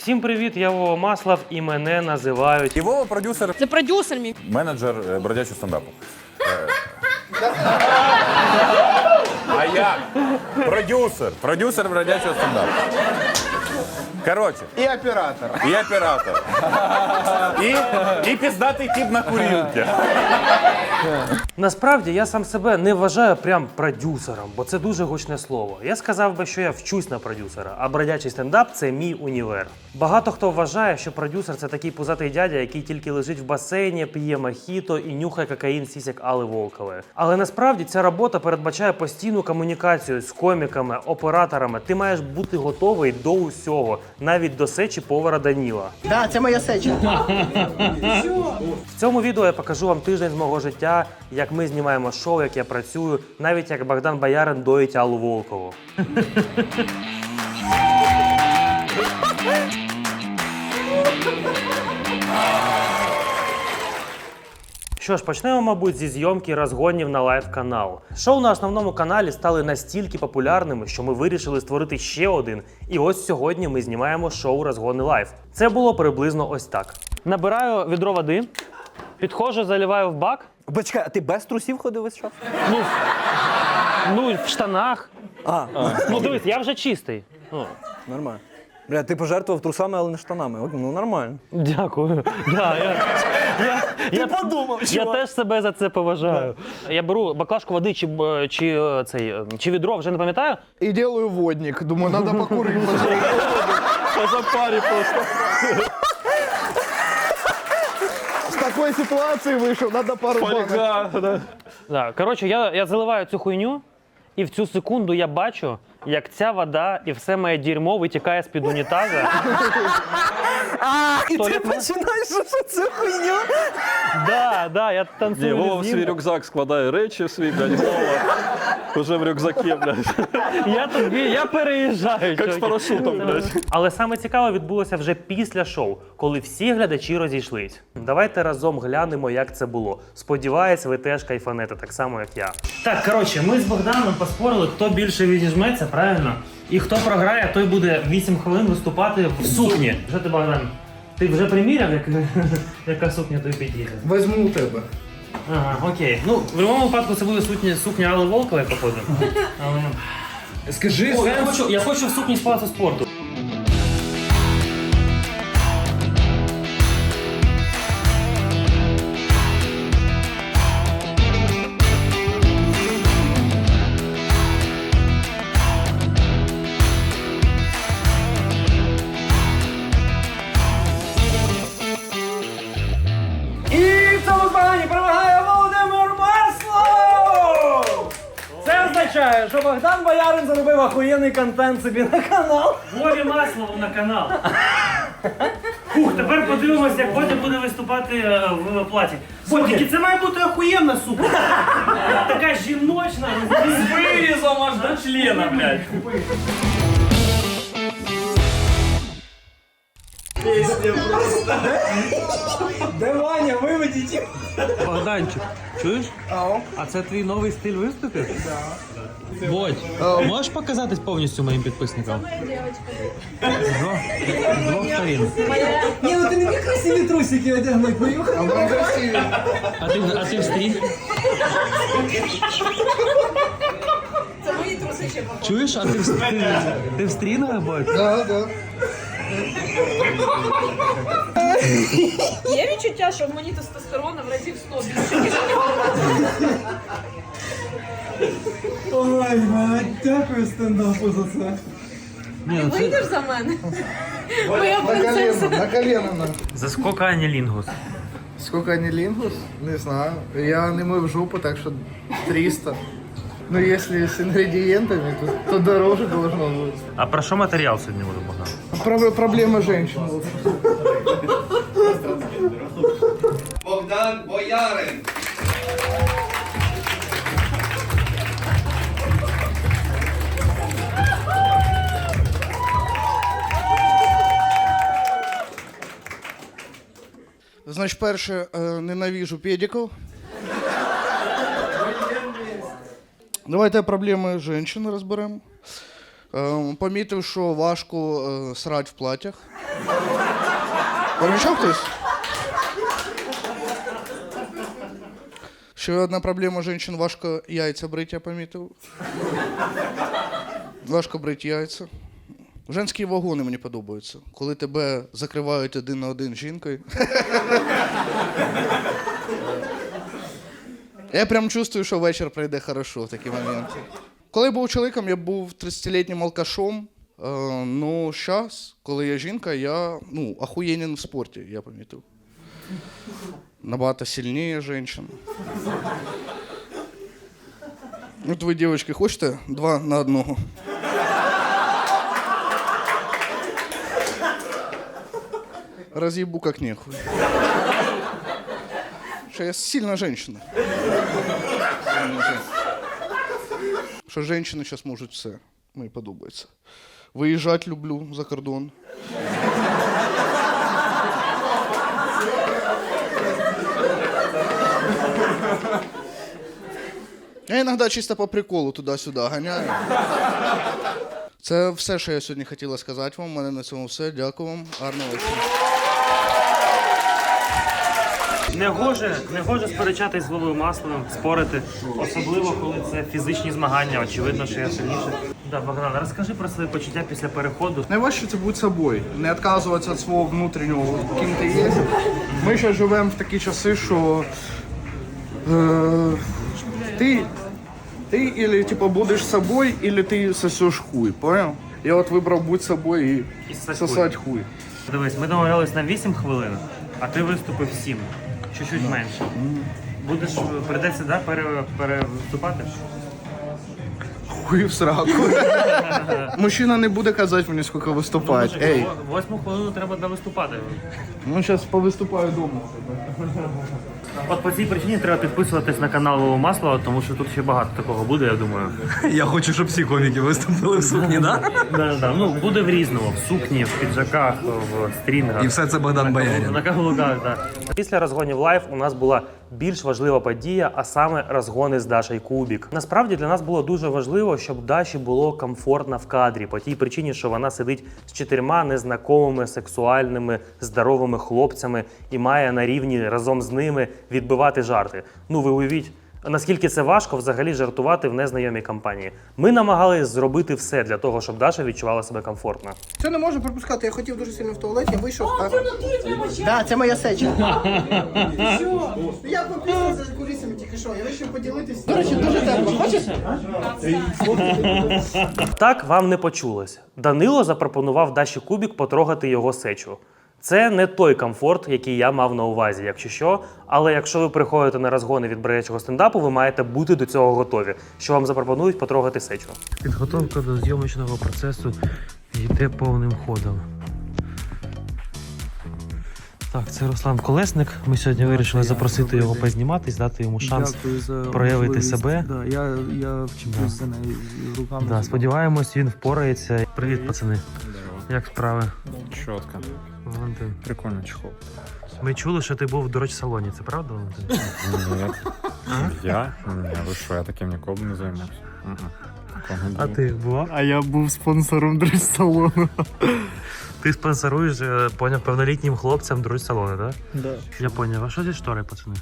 Всім привіт, я Вова Маслов і мене називають... І Вова продюсер. Це продюсер мій. Менеджер бродячого стендапу. А як? Продюсер. Продюсер бродячого стендапу. Коротше. І оператор. І оператор. І піздатий тип на курілці. Насправді, я сам себе не вважаю прям продюсером, бо це дуже гучне слово. Я сказав би, що я вчусь на продюсера, а бродячий стендап – це мій універ. Багато хто вважає, що продюсер – це такий пузатий дядя, який тільки лежить в басейні, п'є мохіто і нюхає кокаїн сісяк Алли Волкової. Але насправді ця робота передбачає постійну комунікацію з коміками, операторами. Ти маєш бути готовий до усього, навіть до сечі повара Даніла. Да, це моя сеча. В цьому відео я покажу вам тиждень з мого життя, як ми знімаємо шоу, як я працюю, навіть як Богдан Боярин доїть Аллу Волкову. Що ж, почнемо, мабуть, зі зйомки розгонів на лайв-канал. Шоу на основному каналі стали настільки популярними, що ми вирішили створити ще один. І ось сьогодні ми знімаємо шоу «Розгони лайв». Це було приблизно ось так. Набираю відро води, підходжу, заливаю в бак. Почекай, а ти без трусів ходив весь час? Ну, в штанах. Ну, дивись, я вже чистий. Нормально. Бля, ти пожертвував трусами, але не штанами. Ну, нормально. Дякую. Я подумав, Я теж себе за це поважаю. Я беру баклажку води чи відро, вже не пам'ятаю. І делаю водник. Думаю, надо покурити. По запарі просто. З такої ситуації вийшов, надо пару банок. Да. Коротше, я заливаю цю хуйню, і в цю секунду я бачу, як ця вода і все моє дерьмо витікає з-під унітаза. І ти починаєш цю хуйню? Да, я танцюю. Вова в свій рюкзак складає речі в свій, блядь, Вова. Уже в рюкзакі, блядь. Я переїжджаю. Як з чуваки. парашутом, блядь. Але саме цікаве відбулося вже після шоу, коли всі глядачі розійшлись. Давайте разом глянемо, як це було. Сподіваюсь, ви теж кайфанете, так само, як я. Так, коротше, ми з Богданом поспорили, хто більше відіжметься, правильно? І хто програє, той буде 8 хвилин виступати в сукні. Що ти, Богдан? Ти вже приміряв, яка сукня тобі підійде? Возьму у тебе. Ага, окей. Ну, в будь-якому випадку це буде сукня Алли Волкової, походу. Але... Скажи, О, я хочу в сукні з палацу спорту. І в цьому змаганні перемагає Володимир Маслов! Це означає, що Богдан Боярин заробив охуєнний контент собі на канал. Вові Маслову на канал. Фух, тепер подивимося, як Бодя буде виступати в платі. Бодя, це має бути охуєнна сукня. Така жіночна, з вирізом аж до члена, блядь. Де Ваня, виведіть їх. Богданчик, чуєш? А це твій новий стиль виступів? Так. Бодь, можеш показатись повністю моїм підписникам? З двох сторін. Ні, ну ти не міг красиві трусики одягнути, поїхав. А вони красиві. А ти в стрій? Це мої труси ще Чуєш, а ти в стрінах, Бодь? Да, да. Є відчуття, що в мені тестостерона в разів 100 більше, ніж Ой, мать, дякую стендапу за це. ти вийдеш за мене? Моя На колено, принцеса. на колено. на. За скільки анілінгус? Сколько анилингус? Не знаю. Я не мою в жопу, так что 300. Но если с ингредиентами, то дороже должно быть. А про що матеріал сьогодні буде, Богдан? Проблема женщин. Богдан Боярин. Значить, перше, ненавижу педиків. Давайте проблеми жінки розберемо. Помітив, що важко срать в платтях. Помічав хтось? Ще одна проблема жінок – важко яйця брити, я помітив. Важко брити яйця. Женські вагони мені подобаються. Коли тебе закривають один на один з жінкою. Я прям чувствую, що вечір пройде хорошо в такі моменти. Коли я був чоловіком, я був 30-літнім алкашом. Ну, зараз, коли я жінка, я охуєнен в спорті, я помітив. Набагато сильніше жінчин. От ви, дівчатки, хочете 2 на 1? Разъебу как нехуй. Что я сильная женщина. Що жінки зараз можуть все. Мені подобається. Виїжджати люблю за кордон. Я іноді чисто по приколу туди-сюди ганяю. Це все, що я сьогодні хотіла сказати вам. У мене на цьому все. Дякую вам. Гарного вечора. Не гоже сперечатись з Вовою Масловим, спорити, особливо коли це фізичні змагання, очевидно, що я сильніше. Да, Богдан, розкажи про свої почуття після переходу. Найважче це бути собою, не відказуватися від свого внутрішнього, ким ти є. Ми ще живемо в такі часи, що ти или типа будеш собою, или ти сосеш хуй, понял? Я от вибрав бути собою і сосати хуй. Дивись, ми домовлялись на 8 хвилин, а ти виступив 7. Чуть-чуть менше. Прийдеться, да, перевиступати? Хуй в сраку. Мужчина не буде казати мені, скільки виступати. Ей, 8 хвилину треба довиступати. ну зараз повиступаю вдома. От по цій причині треба підписуватись на канал Вова Маслова, тому що тут ще багато такого буде, я думаю. Я хочу, щоб всі коміки виступили в сукні, да? Да. Ну, буде в різному, в сукні, в піджаках, в стрінгах. І все це Богдан Боярин. На каблуках, так. Після розгонів лайв у нас була більш важлива подія, а саме розгони з Дашею Кубік. Насправді для нас було дуже важливо, щоб Даші було комфортно в кадрі, по тій причині, що вона сидить з 4 незнайомими, сексуальними, здоровими хлопцями і має на рівні разом з ними відбивати жарти. Ну, ви уявіть, наскільки це важко взагалі жартувати в незнайомій компанії. Ми намагалися зробити все для того, щоб Даша відчувала себе комфортно. Це не можу пропускати. Я хотів дуже сильно в туалеті, вийшов. Так, це моя сеча. Що? Я пописав за кулісами тільки що. Я вирішив поділитись. До речі, дуже тепло. Хочеш? Так вам не почулось. Данило запропонував Даші Кубік потрогати його сечу. Це не той комфорт, який я мав на увазі, якщо що. Але якщо ви приходите на розгони від бродячого стендапу, ви маєте бути до цього готові, що вам запропонують потрогати сечу. Підготовка до зйомочного процесу йде повним ходом. Так, це Руслан Колесник. Ми сьогодні вирішили запросити його позніматись, дати йому шанс проявити себе. Да, я вчився за нею руками. Да, сподіваємось, він впорається. Привіт, пацани. Як справи? Чітко. Валентин. Прикольно чехол. Ми чули, що ти був в дорож-салоні. Це правда, Валентин? Я? Ви що, я таким ніколи не займався. А ти бував? А я був спонсором дрес-салону. Ти спонсоруєш, поняв, повнолітнім хлопцям дрож-салони, так? Да. Я поняв. А що зі штори, пацани?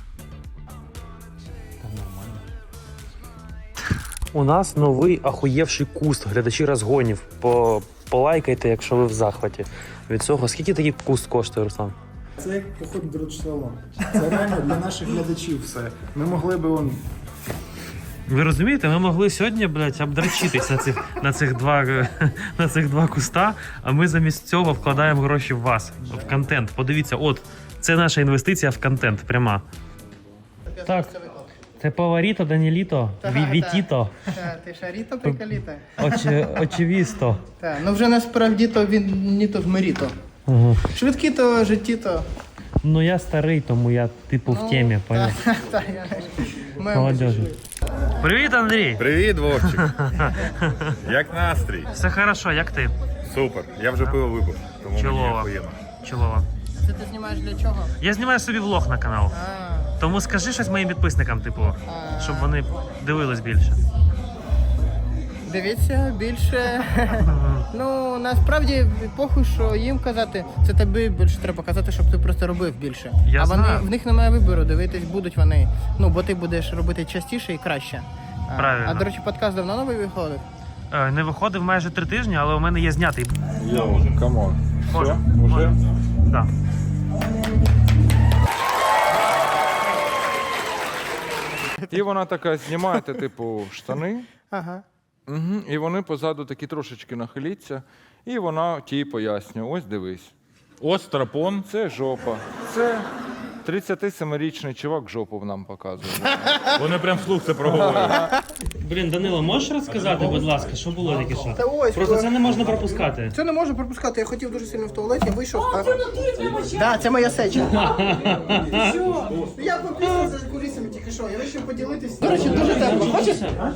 У нас новий ахуєвший куст. Глядачі розгонів. Полайкайте, якщо ви в захваті від цього. Скільки такий куст коштує, Руслан? Це як поход в дрес-салон. Це реально для наших глядачів все. Ми могли би Ви розумієте, ми могли сьогодні, блядь, обдрачитись на цих два куста, а ми замість цього вкладаємо гроші в вас, в контент. Подивіться, от, це наша інвестиція в контент, пряма. Так, це Паваріто, Даніліто, Вітіто, Ти шаріто, приколіто? Очевісто. Так, ну вже насправді то він не то вмиріто. Швидкі то, житті то. Ну я старий, тому я типу в темі, понял? Так, я Молодежі. Привіт, Андрій! Привіт, Вовчик. Як настрій? Все хорошо, як ти? Супер. Я вже пиво випив, тому мені Чолова. охуєнно. Чолова. Це ти знімаєш для чого? Я знімаю собі влог на канал. Тому скажи щось моїм підписникам, типу, щоб вони дивились більше. Дивіться більше. Ну, насправді, похуй, що їм казати, це тобі більше треба казати, щоб ти просто робив більше. Я а вони, знаю. в них немає вибору, дивитись будуть вони. Ну, бо ти будеш робити частіше і краще. Правильно. А, до речі, подкаст давно новий виходив? Не виходив майже 3 тижні, але у мене є знятий. Йоу, камон. Може. Уже? Да. І вона така, знімаєте, типу, штани, Ага. і вони позаду такі трошечки нахиляться, і вона тій пояснює, ось дивись, Ось страпон. це жопа, це 37-річний чувак жопу нам показує. Вони прям вслух це проговорюють. Блін, Данило, можеш розказати, будь ласка, що було таке що? Та ось, Просто це не можна пропускати. це не можу пропускати, я хотів дуже сильно в туалеті, вийшов. Да, це моя сеча. Я пописав за кулісами тільки що, я вирішив поділитись. До речі, дуже тепло. Хочеш?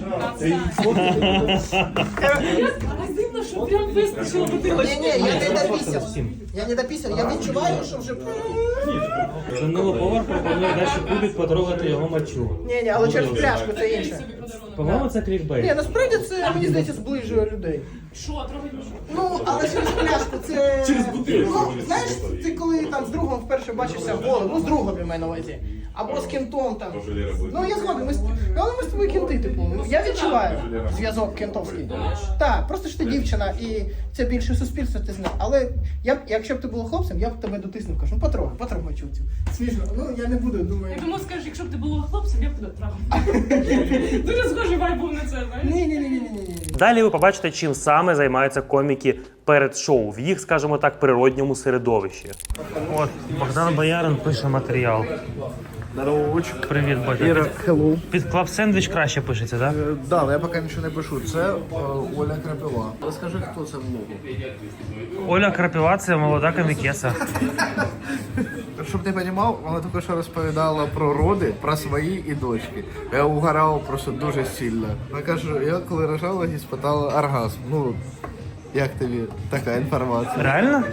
Дивно, що прям вистачило бутилочки. Ні, я не допісяв. Я не допісяв, я відчуваю, що вже... Данило повар пропонує далі кубик потрогати його мочу. Ні, але через пляшку це інше. По-моєму, це клікбейт. Ні, насправді це, мені здається, зближує людей. Що, трогать мішу? Ну, але через пляшку це... Через бутилку. Ну, знаєш, ти коли там з другом вперше бачишся голим, ну з другом я маю на увазі, або з кентом там. Ну, я згоден, але ми з тобою кенти, типу. Я відчуваю зв'язок кентовський. Так, просто ж ти дівчина і це більше суспільство, ти знаєш. Але якщо б ти була хлопцем, я б тебе дотиснув, кажу, ну потрогай мочу цю. Смішно, ну я не буду, думаю. Я думав, скажеш, якщо б ти була хлопцем, я б тебе трахала. Дуже схожий вайб був на це, знаєш? Ні. Далі ви побачите, чим саме займаються коміки перед шоу в їх, скажімо так, природньому середовищі. От Богдан Боярин пише матеріал. Привіт, Бодя. Hello. Під клаб сендвіч краще пишеться, так? Да, але я поки нічого не пишу. Це Оля Крапива. Розкажи, хто це був. Оля Крапива – це молода комікеса. Щоб ти розумів, вона тільки що розповідала про роди, про свої і дочки. Я угорав просто дуже сильно. Вона каже, я коли рожала, і спитала оргазм. Ну, як тобі така інформація? Реально?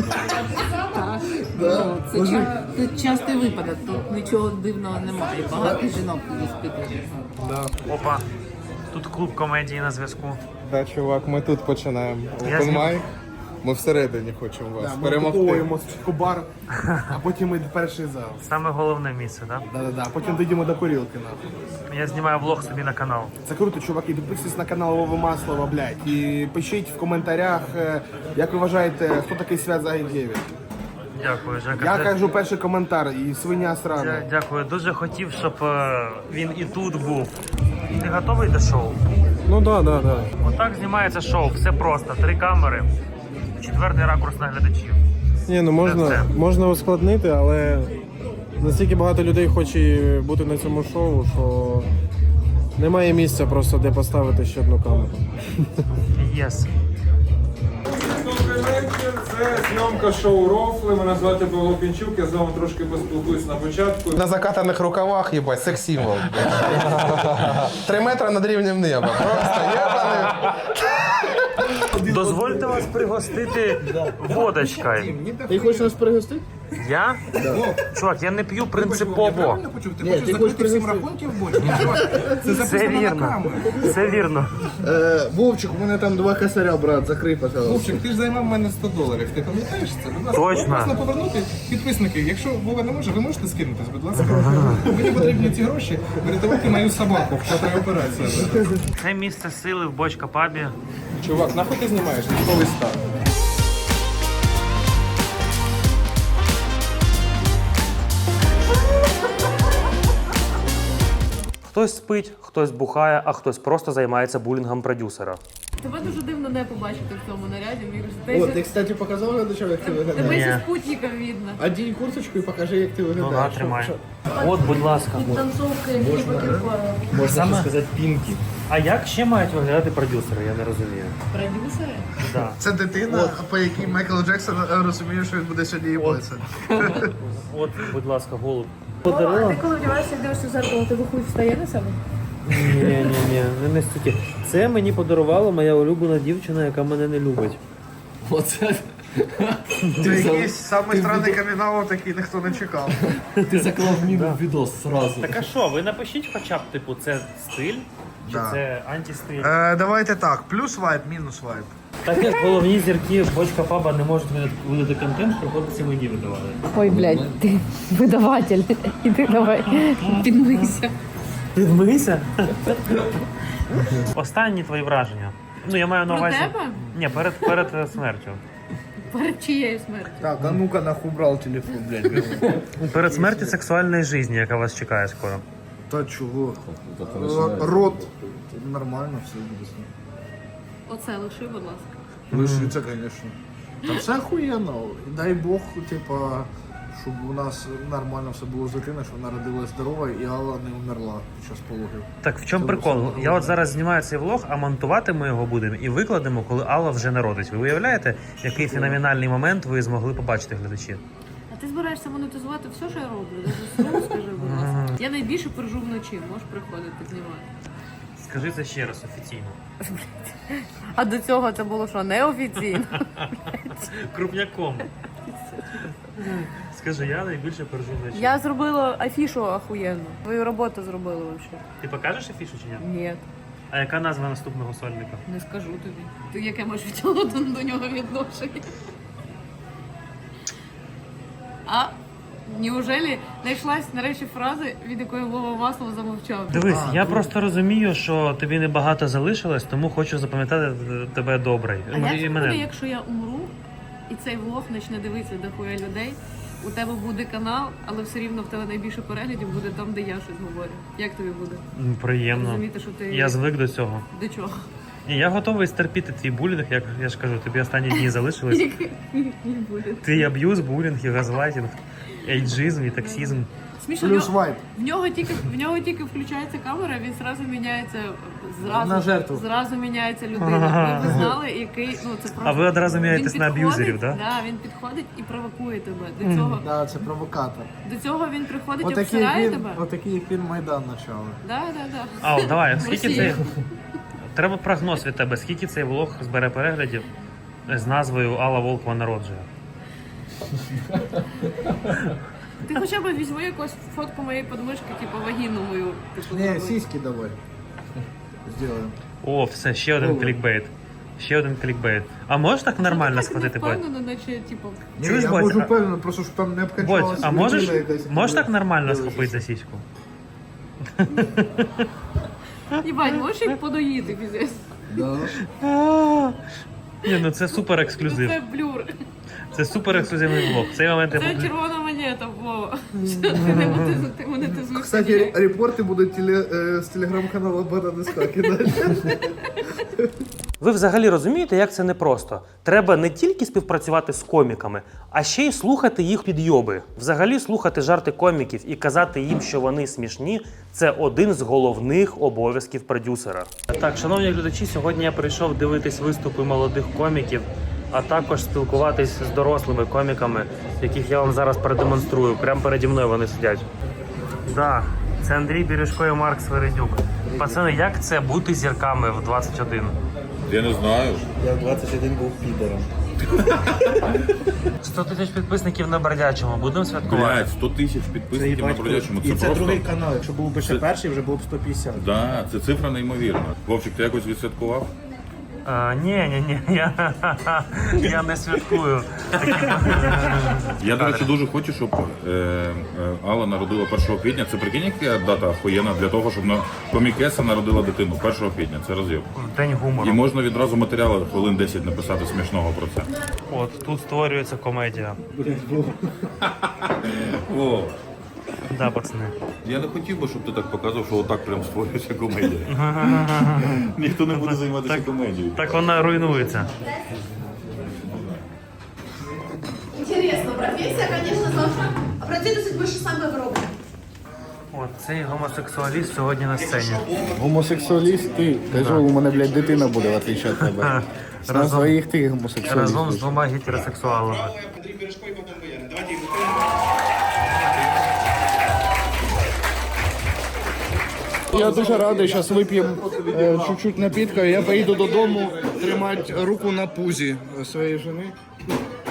Це частий випадок, тут нічого дивного немає. Багато жінок іспитують. Опа. Тут клуб комедії на зв'язку. Да, чувак, ми тут починаємо. Я знімаю. Open mic. Ми всередині хочемо вас перемогти. Ми купуємо спочатку бар, а потім йде перший зал. Саме головне місце, так? Да-да-да, потім дійдемо до курілки, нахуй. Я знімаю влог собі на канал. Це круто, чуваки, підписуйтесь на канал Вови Маслова, блядь. І пишіть в коментарях, як ви вважаєте, хто такий Свят Загідєвич. Дякую, Жека. Я кажу перший коментар, і свиня срана. Дякую. Дуже хотів, щоб він і тут був. Ти готовий до шоу? Ну да. Отак знімається шоу. Все просто. 3 камери. 4-й ракурс на глядачів. Ні, ну Це. можна ускладнити, але настільки багато людей хоче бути на цьому шоу, що немає місця просто де поставити ще одну камеру. Єс. Добрий вечір, це зйомка шоу «Рофли». Мене звати Павло Пінчук, я з вами трошки поспілкуюсь на початку. На закатаних рукавах, їбать, секс-символ. 3 метри над рівнем неба. Просто єбаний. Дозвольте вас пригостити водочкою. Ти хочеш нас пригостити? Я? Чувак, я не п'ю принципово. Ти хочеш призим рахунків бочки? Це вірно. Це вірно. Вовчик, у мене там 2 косаря, брат, закрий, пожалуйста. Вовчик, ти ж займав мене $100. Ти пам'ятаєш це? Будь ласка, Точно. можна повернути. Підписники, якщо Вова не може, ви можете скинутись, будь ласка. Мені потрібні ці гроші врятувати мою собаку, котра операція. Це місце сили в Бочка пабі. Чувак, нахуй ти знімаєш? Військовий стан. Хтось спить, хтось бухає, а хтось просто займається булінгом продюсера. Тебе дуже дивно не побачити в цьому наряді. Мені кажуть, О, ти, кстати, показав глядачам, як ти тебе виглядаєш? зі спутником видно. Одінь курточку і покажи, як ти Ну, виглядаєш. на, тримай. От, будь ласка. Танцовка, які покерпаю. Можна ще сказати пінки. А як ще мають виглядати продюсери, я не розумію. Продюсери? Да. Це дитина, по якій Майкл Джексон розуміє, що він буде сьогодні їбатися. От, будь ласка, голуб. Ти коли вдіваєшся, дивишся в зеркало, тебе хуй встає на себе? Ні, не настільки. Це мені подарувала моя улюблена дівчина, яка мене не любить. Оце Це якийсь самий странний камін-аут, який ніхто не чекав. Ти заклав міну в відос сразу. Так а що, ви напишіть хоча б, типу, це стиль чи Да. це антистиль? Давайте так, плюс вайб, мінус вайб. Так як головні зірки бочка паба не можуть видати контент, приходиться мені видавати. Ой, блядь, ти видаватель. Іди давай, підмийся. Підмийся? Останні твої враження. Ну, я маю на Про увазі. тебе? Ні, перед смертю. Перед чиєю смертю? Так, а ну-ка нахуй брав телефон, блядь. Перед смертю сексуальної житті, яка вас чекає скоро. Та чого? Рот. Нормально все буде. Оце лиши, будь ласка. Лишиться, звісно. Та все охуєнно. І дай Бог, типа, щоб у нас нормально все було з дитиною, щоб вона родилась здорова і Алла не умерла під час пологів. Так в чому Це прикол? все Я от зараз знімаю цей влог, а монтувати ми його будемо і викладемо, коли Алла вже народить. Ви уявляєте, який феноменальний момент ви змогли побачити, глядачі? А ти збираєшся монетизувати все, що я роблю? Даже слово скажи, будь ласка. Я найбільше пержу вночі, можеш приходити знімати. Скажи це ще раз офіційно. А до цього це було що, неофіційно? Крупняком. Скажи, я найбільше пержу вночі. Я зробила афішу охуєнну. Твою роботу зробила взагалі. Ти покажеш афішу чи ні? Ні, А яка назва наступного сольника? не скажу тобі. Ти яке можеш відтягнути до нього відношення? А? Неужели знайшлась нарешті фрази, від якої Вова Маслов замовчав? Дивись, я просто розумію, що тобі небагато залишилось, тому хочу запам'ятати тебе добре. А Ну, як і це мене. буде, якщо я умру, і цей влог почне дивитися дохуя людей, у тебе буде канал, але все рівно в тебе найбільше переглядів буде там, де я щось говорю. Як тобі буде? Приємно. Розуміти, що ти... Я звик до цього. До чого? І я готовий стерпіти твій булінг, як я ж кажу, тобі останні дні залишились. Який буде? Твій аб'юз, булінг, і газлайтінг, ейджизм і таксізм. Смішно, Плюс вайб. в нього тільки включається камера, він зразу міняється, На жертву. зразу міняється людина. Ви знали, який, ну це просто... А ви одразу Він міняєтесь на підходить, аб'юзерів, так? Да, він підходить і провокує тебе. До цього, Да, це провокатор. до цього він приходить і Отакий обсирає як тебе. отакий як він Майдан почав. Да. А, давай, скільки Росія. цей... Треба прогноз від тебе, скільки цей влог збере переглядів з назвою Алла Волкова народжує. Ти хоча б візьми якусь фотку моєї подмишки, типу вагіну мою. Типу, Не, зроби. сиськи давай. Сделаем. О, все, ще один клікбейт. Ще один клікбейт. А можеш так нормально схватити, Бодь? Бодь? Впевнено, наче, типу... Ні, Чуєш, я Бодь, можу а- впевнено, просто щоб там не Бодь, обкачалася а можеш, людина якась. можеш так нормально Дивишся. схопити за сіську? Їбать, можеш їх подоїти, піздець? Да. Ні, ну це супер ексклюзив. Це блюр. Це супер ексклюзивний влог. В цей момент я Це буду... червона монета, Вова. Ти монетизуєш. Кстати, репорти будуть з телеграм-каналу Банана Ска кидати. Ви взагалі розумієте, як це непросто? Треба не тільки співпрацювати з коміками, а ще й слухати їх підйоби. Взагалі слухати жарти коміків і казати їм, що вони смішні – це один з головних обов'язків продюсера. Так, шановні глядачі, сьогодні я прийшов дивитись виступи молодих коміків, а також спілкуватись з дорослими коміками, яких я вам зараз продемонструю. Прямо переді мною вони сидять. Да, це Андрій Бережко і Марк Свередюк. Пацани, як це бути зірками в 21? Я не знаю. Я в 21 був підером. 100 тисяч підписників на Бродячому. Будемо святкувати? Блядь, 100 тисяч підписників на Бродячому. Це просто... канал. Якщо був би ще перший, вже було б 150. Да, це цифра неймовірна. Вовчик, ти якось відсвяткував? Ні, я не святкую. Я, до речі, дуже хочу, щоб Алла народила 1 квітня. Це прикинь, яка дата охуєнна для того, щоб комікеса народила дитину 1 квітня. Це роз'єм. День І гумору. можна відразу матеріали хвилин 10 написати смішного про це. От, тут створюється комедія. О, Да, пацани. я не хотів би, щоб ти так показував, що отак прям створюється комедія. Ніхто не буде займатися комедією. Так вона руйнується. Інтересно, професія, звісно, завжди. А працює більше саме в Європі. От, цей гомосексуаліст сьогодні на сцені. Гомосексуаліст ти. Кажу, у мене, блядь, дитина буде, в отличие від тебе. На своїх ти гомосексуаліст. Разом з двома гетеросексуалами. Я дуже радий, зараз вип'ємо чуть-чуть напітка, і я поїду додому тримати руку на пузі своєї жени.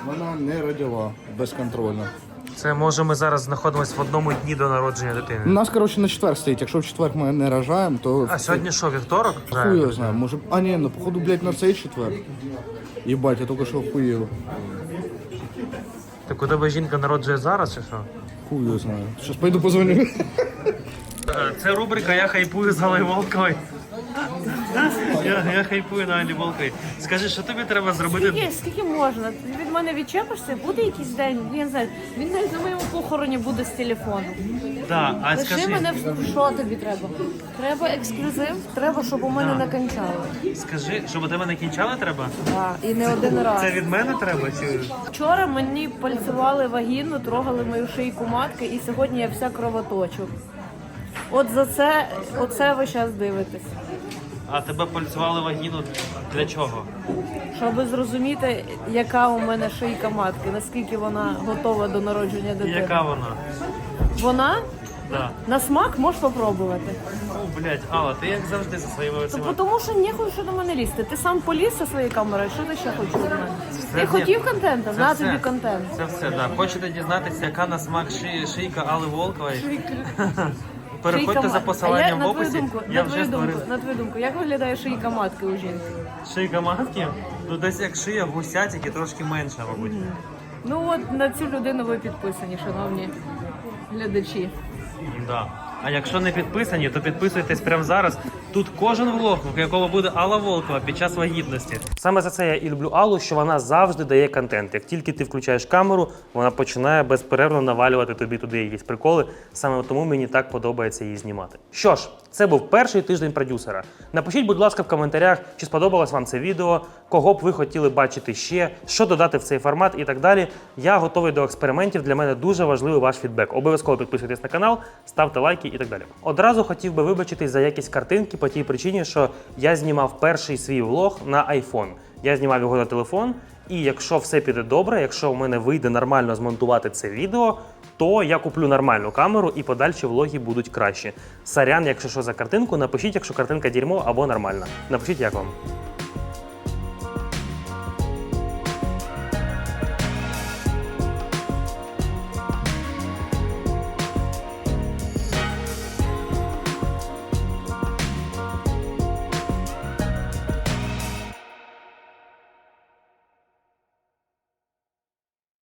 Вона не родила безконтрольно. Це може ми зараз знаходимося в одному дні до народження дитини. У нас, коротше, на четвер стоїть. Якщо в четвер ми не рожаємо, то... А сьогодні що, вівторок? Хуй його знаю, може... А, ні, ну, походу, блядь, на цей четвер. Єбать, я тільки що охуєв. Так у тебе жінка народжує зараз чи що? Хуй його знаю. Щас пойду позвоню. Це рубрика «Я хайпую з Аллою Волковою». Я хайпую на Алі Волковій. Скажи, що тобі треба зробити? Скільки можна? Ти від мене відчепишся, буде якийсь день, я не знаю, він навіть на моєму похороні буде з телефону. Да, а Лиши скажи, мене, що тобі треба? Треба ексклюзив, треба, щоб у мене не кончали. скажи, щоб у тебе не кінчали треба? Так, і не один раз. Це від мене треба чи? Вчора мені пальцювали вагіну, трогали мою шийку матки, і сьогодні я вся кровоточу. От за це, оце ви зараз дивитесь. А тебе пальцювали вагіну для чого? Щоб зрозуміти, яка у мене шийка матки, наскільки вона готова до народження І дитини. яка вона? Вона? Да. На смак можеш попробувати. О, блядь, Алла, ти як завжди зі своїми цими... Тому що не хочу до мене лізти. Ти сам поліз зі своєю камерою, що ти ще хочеш від мене? Ти хотів контенту? Це На все. тобі контент. Це все, да. Хочете дізнатися, яка на смак шийка Алли Волкової? Переходьте Шийка за матки. посиланням в на твою описі. думку, Я на вже твою думку, створив. на твою думку, як виглядає шийка матки у жінки? Шийка матки? Ну десь як шия гуся, тільки трошки менша, мабуть. Ну от на цю людину ви підписані, шановні глядачі. Да. А якщо не підписані, то підписуйтесь прямо зараз. Тут кожен влог, в якому буде Алла Волкова під час вагітності. Саме за це я і люблю Аллу, що вона завжди дає контент. Як тільки ти включаєш камеру, вона починає безперервно навалювати тобі туди якісь приколи. Саме тому мені так подобається її знімати. Що ж, це був перший тиждень продюсера. Напишіть, будь ласка, в коментарях, чи сподобалось вам це відео, кого б ви хотіли бачити ще, що додати в цей формат і так далі. Я готовий до експериментів. Для мене дуже важливий ваш фідбек. Обов'язково підписуйтесь на канал, ставте лайки і так далі. Одразу хотів би вибачитись за якість картинки по тій причині, що я знімав перший свій влог на iPhone. Я знімав його на телефон, і якщо все піде добре, якщо в мене вийде нормально змонтувати це відео, то я куплю нормальну камеру і подальші влоги будуть кращі. Сорян, якщо що за картинку, напишіть, якщо картинка дерьмо або нормальна. Напишіть, як вам.